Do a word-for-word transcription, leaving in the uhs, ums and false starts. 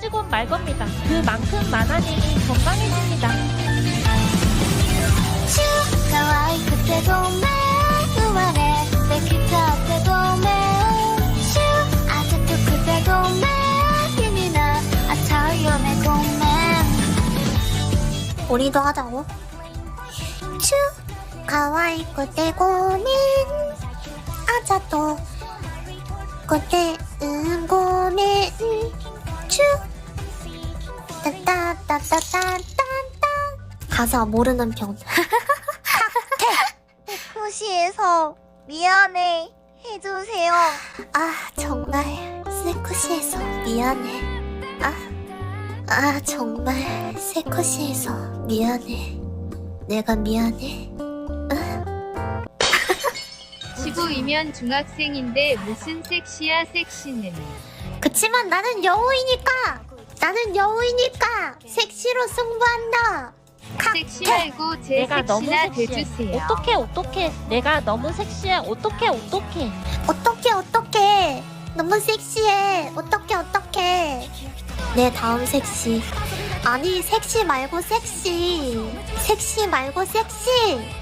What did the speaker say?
떨어지고 말 겁니다. 그만큼 마나님이 건강해집니다. 可愛くてごめん生まれてきたってごめんシュあざとくてごめん気になっちゃうよねごめん 우리도 하자고. 슈 가와이쿠 때 고멘 아자또 그때 응 고멘 슈 따따따따따따따 가사 모르는 편. 세쿠시에서 미안해 해주세요. 아 정말 세쿠시에서 미안해. 아, 아 정말 세쿠시에서 미안해. 내가 미안해. 십오이면 중학생인데 무슨 섹시야 섹시는. 그치만 나는 여우이니까 나는 여우이니까 섹시로 승부한다. 섹시 말고 제 내가 너무 섹시나 섹시해. 돼주세요. 어떡해 어떡해. 내가 너무 섹시해. 어떡해 어떡해. 어떡해 어떡해 너무 섹시해 어떡해 어떡해 내 다음 섹시 아니 섹시 말고 섹시 섹시 말고 섹시